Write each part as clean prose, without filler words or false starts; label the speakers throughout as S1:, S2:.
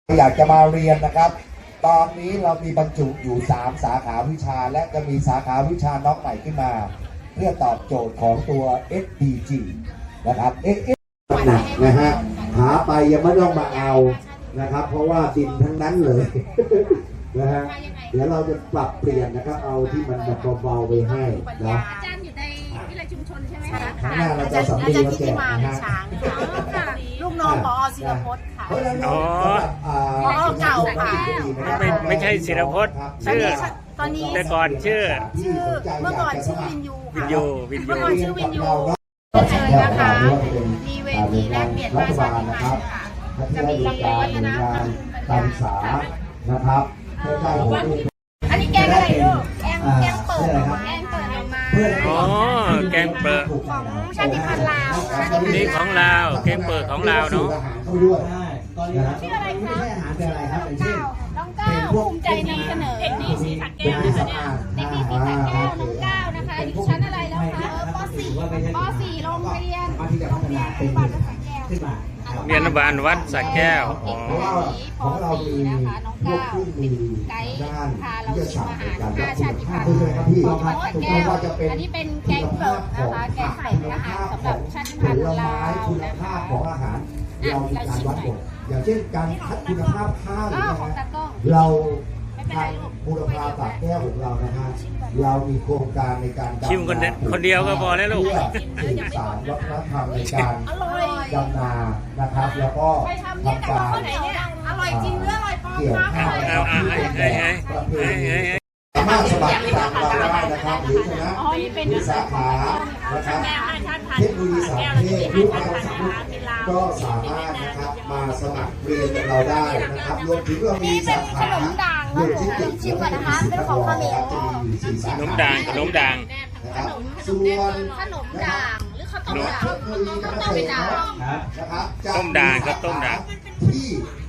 S1: อยากจะมาเรียนนะครับตอนนี้เรามีบรรจุอยู่3สาขาวิชาและจะมีสาขาวิชาน้องใหม่ขึ้นมาเพื่อตอบโจทย์ของตัว SDG นะครับหนักนะฮะหาไปยังไม่ต้องมาเอานะครับเพราะว่าดินทั้งนั้นเลยนะฮะเดี๋ยวเราจะปรับเปลี่ยนนะครับเอาที่มันแบบเบาๆไปให้นะ
S2: อาจารย์อยู่ในวิทยาชุมชนใช่ไหมคะ
S1: ข้างหน้าเราจะสำเร็จแล้วแจกนะฮะ
S2: ลูกน้องปอศิรพจน์ค่ะ
S1: ผอ
S2: เก่าค่ะ
S3: ไม่ใช่ศิรพจน์ชื่อ
S2: ตอนนี้
S3: แต่ก่อนชื่อ
S2: เมื่อก่อนชื่อวินยูค่ะ
S3: วินยู
S2: เมื่อก่อนชื่อวินยูเชิญนะคะมีเวทีแลกเปลี่ยนภาษาไทยค่ะจะมีวัฒนธรรม
S1: การศึกษานะครับเพื่อได้ผล
S2: อันนี้แกงอะไรลูกแกงเปิดออกมาแกงเปิดออกมา
S3: อ๋อแกงเปิด
S2: ของชาติพันธุ์ลาว
S3: นี่ของลาวแกงเปิดของลาวเนาะ
S2: ชื่ออะไรคะน้องก้าวภูมิใจนำเสนอเด็กดีสีสักแก้วนะคะเด็กดีสีสักแก้วน้องก้าวนะคะอยู่ชั้นอะไรแล้วคะป .4 โรงเรียนวัดสักแก้ว
S3: เรียนบาลวัดสักแก้ว
S1: ของเรามีพวกผู้มีด้านวิทยาศาสตร์ในการรับคุณภาพด้วยครับพี่ถูกต้องว่าจะเป็น
S2: อันนี้เป็นแกงเปิดนะคะแกงเปิดนะคะสำหรับชาติพันธุ์ลาว
S1: คุณภาพของอาหารเรามีการวัดผลอย่างเช่นการคัดคุณภาพข้าวนะฮะเราทางบูรพาปากแก้วของเรานะฮะเรามีโครงการในการ
S3: ชิมคนเดียวก็พอแล้วลูก
S1: สืบสานวัฒนธรรมในการดำนานะครับแล้วก็ทำการ
S2: อร่อยจริงหรืออร่อยปลอมคะ
S1: สามารถสมัครตามเราได้นะครับหรือชนะมีสาขานะครับเทคโนโลยีสารเทศลูกเราสามารถก็สามารถนะครับมาสมัครเรียนกับเราได้นะครับรวมถึงเรามีสาขาโลจิสติกส์
S2: ชิมก่อนนะคะเป็นของขมิ้น
S3: ขนมด่าง
S1: นะครับส่วน
S2: ขนมด่างหรือข้าวต้มด่าง
S1: นะครับ
S3: ต้มด่างครับต้มด่าง
S1: ที่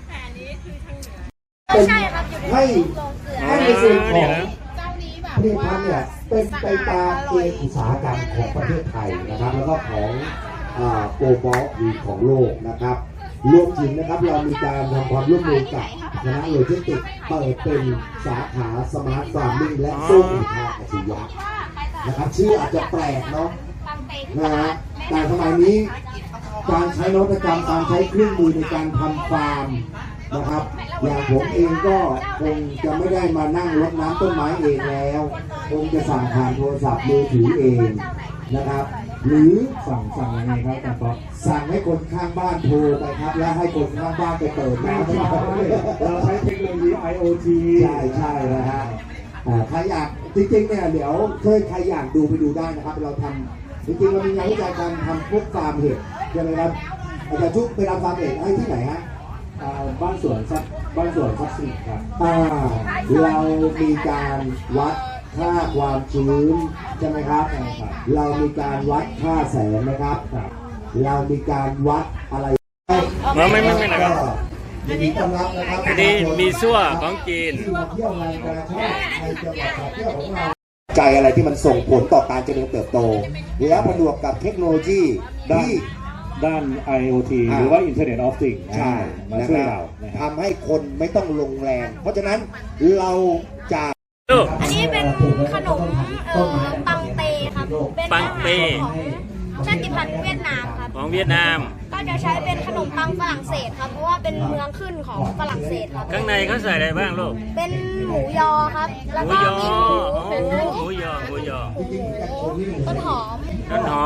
S2: ใช่ครับ
S1: ให้ในส่วนของผลิตภัณฑ์เนี่ยเป็นไปตามเกณฑ์อุตสาหกรรมของประเทศไทยนะครับแล้วก็ของโกลบอลหรือของโลกนะครับรวมถึงนะครับเรามีการทำความร่วมมือกับคณะโลจิสติกส์เปิดเป็นสาขาสมาร์ทฟาร์มิ่งและโซ่สินค้าอัจฉริยะนะครับชื่ออาจจะแปลกเนาะนะฮะแต่สมัยนี้การใช้นวัตกรรมการใช้เครื่องมือในการทำฟาร์มนะครับอย่างผมเองก็คงจะไม่ได้มานั่งรดน้ำต้นไม้เองแล้วคงจะสั่งผ่านโทรศัพท์มือถือเองนะครับหรือสั่งยังไงครับอาจารย์ป๊อปสั่งให้คนข้างบ้านโทรไปครับและให้คนข้างบ้านไปเปิดน้ำ
S4: เราใช้เทคโนโลยี IoT
S1: ใช่นะฮะใครอยากจริงๆเนี่ยเดี๋ยวใครอยากดูไปดูได้นะครับเราทำจริงๆเรามีงานวิจัยการทำพวกฟาร์มเห็ดใช่ไหมครับอาจารย์ชุกไปทำฟาร์มเห็ดให้ที่ไหนฮะ
S4: บ้านสวนซักซีครับ
S1: เรามีการวัดค่าความชื้นใช่ไหมครับเรามีการวัดค่าแสงนะครับเรามีการวัดอะไร
S3: ไม่นะครับ
S1: ยินดีต้อนรับนะครับ
S3: อันนี้มีซั่วของจีน
S1: ที่มาเที่ยวงานกาชาดในจังหวัดสระแก้วของเราใจอะไรที่มันส่งผลต่อการเจริญเติบโตและผนวกกับเทคโนโลยี
S4: ด้าน IoT หรือว่า Internet of Things
S1: ใช่
S4: มาช่วยเรา
S1: ทำให้คนไม่ต้องลงแรงเพราะฉะนั้นเราจะ
S2: อันนี้เป็นขนมปังเตครับเป็นอาหารของชาติพันธุ์เวียดนามครับ
S3: ของเวียดนาม
S2: ก็จะใช้เป็นขนมปังฝรั่งเศสครับเพราะว่าเป็นเมืองขึ้นของฝรั่งเศสครับ
S3: ข้างในเขาใส่อะไรบ้างลูก
S2: เป็นหมูยอครับแล้วก็มี
S3: หมูยอ
S2: ต้นหอม
S3: แล้วก็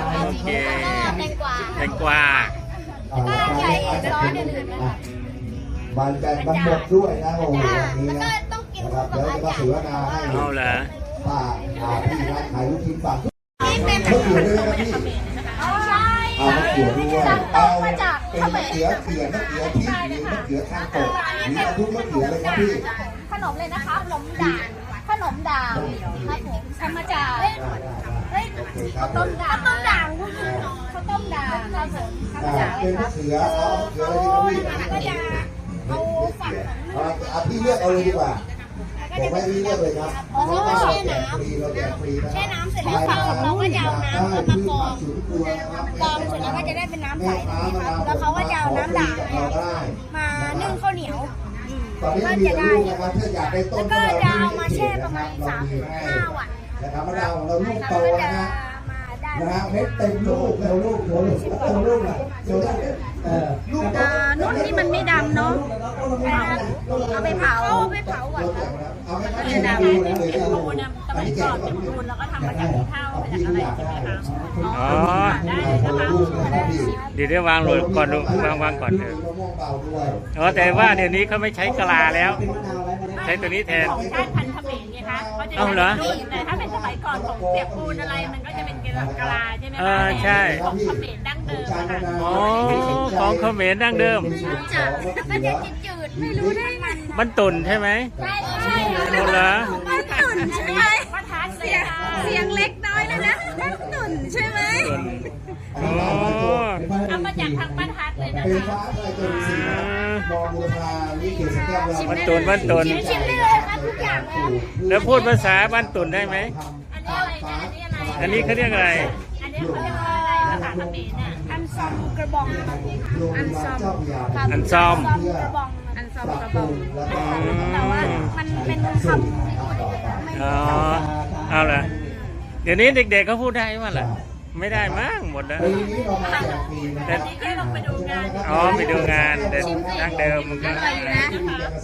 S3: แตงกวา
S2: แล้วก็ใส่ซอสอื่นๆนะครับ
S1: มันกันทั้งหมดด้วยนะโอ้โหนี้นะ
S2: นะครับ
S1: เดี๋ยวจะมาถือว่านาให้
S3: เอาเหรอ
S1: ป้าพี่ร้านขายลูกชิ้นปัง
S2: นี่เป็น
S1: มะเขือด้วยนะครับพี่เอามะเขือด้วยเอาเป็นมะเขือเขียนมะเขือที่หรือมะเขือข้างโตหรือทุกมะเขือเลยครับพี่
S2: ขนมเลยนะคะขนมด่างครับผมทำมาจากข้าวต้มด่างครับผมทำมาจาก
S1: เป็นมะเขือเอามะเขือเลย
S2: ก็จะเอาฝัก
S1: พี่เลือกเอาเลยดีกว่าผมไม่เลือกเลยครับ
S2: เพราะว่าแช่น้ำแช่น้ำเสร็จแล้วเราก็จะเอาน้ำมากรองเสร็จแล้วก็จะได้เป็นน้ำใสนะครับแล้วเขาก็จะเอาน้ำด่างมานึ่งข้าวเหนียว
S1: ตอนนี้มีลูกนะครับถ้าอยากได้ต้น
S2: แล้วก็จะเอามาแช่ประมาณ
S1: เรามีให้
S2: 3-5 วัน
S1: นะครับมะนาวของเราลูกโตนะฮะ
S2: มาได้
S1: นะฮะเม็ดเต็มลูกแล้วลูกโตลูกโตลูกอ่ะโตลูกลูกโต
S2: นุ่นที่มันไม่ดำเนาะเอาไปเผาก่อนครับ
S1: เอาไป
S2: มันจะดำ
S1: ดูนะเลย
S5: ปูนอะสมัยก่อนเป็นปูนแล้วก็ทำมาจากข้าวมาจากอะไรใช่ไหมคะ
S3: อ๋อ
S5: ได้เลยนะคะ
S3: เดี๋ยววางโหลดก่อนดูวางก่อนเถอะ
S1: มะม่วงเบาด้วย
S3: อ๋อแต่ว่าเดี๋ยวนี้เขาไม่ใช้กะลาแล้ว ใช้ตัวนี้แทน
S5: ของชาติพันธุ์เขมรไงคะเขาจะ
S3: เอาเหรอ
S5: นุ่นแต่ถ้าเป็นสมัยก่อนของเปียกปูนอะไรมันก็จะเป็นกะลาใช่ไหม
S3: เอ
S5: คะ
S3: อใช่
S5: ของเขมรดั้งเดิมอะค่ะ
S3: อ๋อของเขมรดั้งเดิม
S2: มันจะจืดๆไม่รู้ได้ไง
S3: มันตุ่นใช่ไหม
S2: ใช่
S3: ตุ่นเหรอ
S2: มันตุ่นใช่ไหม
S5: ประทัดเลยค่ะ
S2: เสียงเล็กน้อยเลยนะมันตุ่นใช่ไหม
S3: ตุ่นอ๋อ
S5: ทำมาจากทางประทัดเลยนะ
S1: เป็น
S5: คะ
S1: ฟ้าอะไรจนสีมองบูรพาวิเกศแก้วเรา
S3: มันตุ่นมันตุ่น
S2: ชิมได้เลยครับทุกอย่างเลย
S3: แล้วพูดภาษาบ้านตุ่นได้ไหม
S5: อันนี้อะไรนะอันนี้อะไร
S3: อันนี้เขาเรียกอะไร
S5: อันนี้เขาเรียกว่าอะไรภาษาเขมรน่ะ
S2: อันซอมกระบองอันซอม
S3: อันซอม
S2: กระบองอันซอมกระบอง
S1: แล้วก็
S2: แต่ว่ามันเป็นคำ
S3: อ๋อ เอาล่ะ เดี๋ยวนี้เด็กๆเขาพูดได้ไหมล่ะ ไม่ได้มั้งหมดแล้ว
S1: ปีนี้เรามาแจกฟรีนะค
S3: แต่
S1: รับ
S5: นี่แค่ลงไปดูงาน
S3: อ๋อไปดูงานแต่ดั้งเดิมมันก็